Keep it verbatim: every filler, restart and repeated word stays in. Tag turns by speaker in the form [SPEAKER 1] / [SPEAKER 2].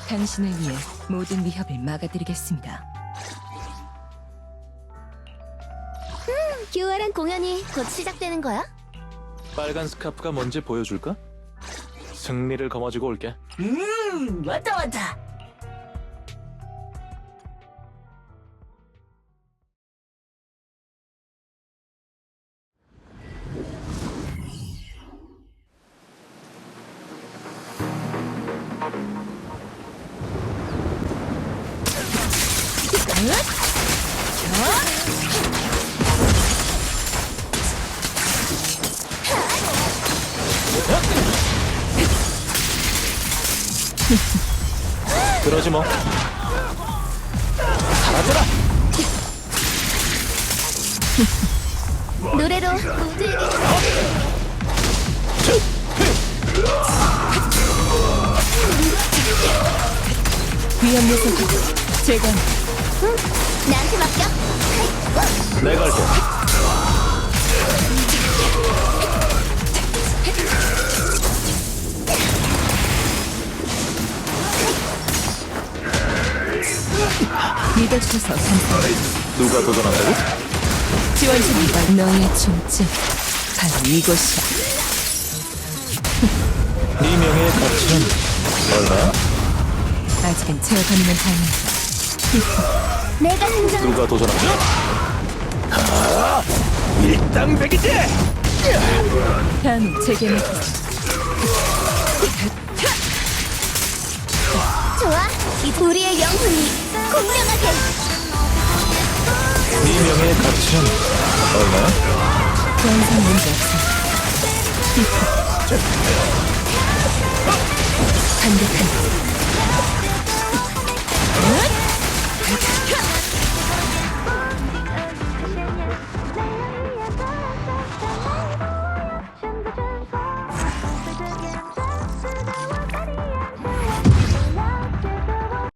[SPEAKER 1] 당신을 위해 모든 위협을 막아드리겠습니다.
[SPEAKER 2] 교활한 공연이 곧 시작되는 거야?
[SPEAKER 3] 빨간 스카프가 뭔지 보여줄까? 승리를 거머쥐고 올게.
[SPEAKER 4] 음, 왔다 왔다.
[SPEAKER 3] 그러지 뭐. 사라져라!
[SPEAKER 2] 노래로 모두에게
[SPEAKER 1] 위험 요소를 제거합니다.
[SPEAKER 2] 응, 나한테 맡겨.
[SPEAKER 3] 내가 할게.
[SPEAKER 1] 믿어주셔서 감사합니다.
[SPEAKER 3] 누가 도전한다고?
[SPEAKER 1] 지원자입니다. 너의 중증 바로 이곳이야.
[SPEAKER 3] 네 명예의 가치는 얼마야?
[SPEAKER 1] 아직은 제어 가능한 다행입니다.
[SPEAKER 2] 내가 등장.
[SPEAKER 3] 누가 도전한다? 아, 일당백이지!
[SPEAKER 1] 다음은 제게 맡기세요.
[SPEAKER 2] 좋아, 이 우리의 영혼이 공명하게.
[SPEAKER 3] 네 명예의 가치는 얼마야?
[SPEAKER 1] 더 이상 문제 없습니다. 강력한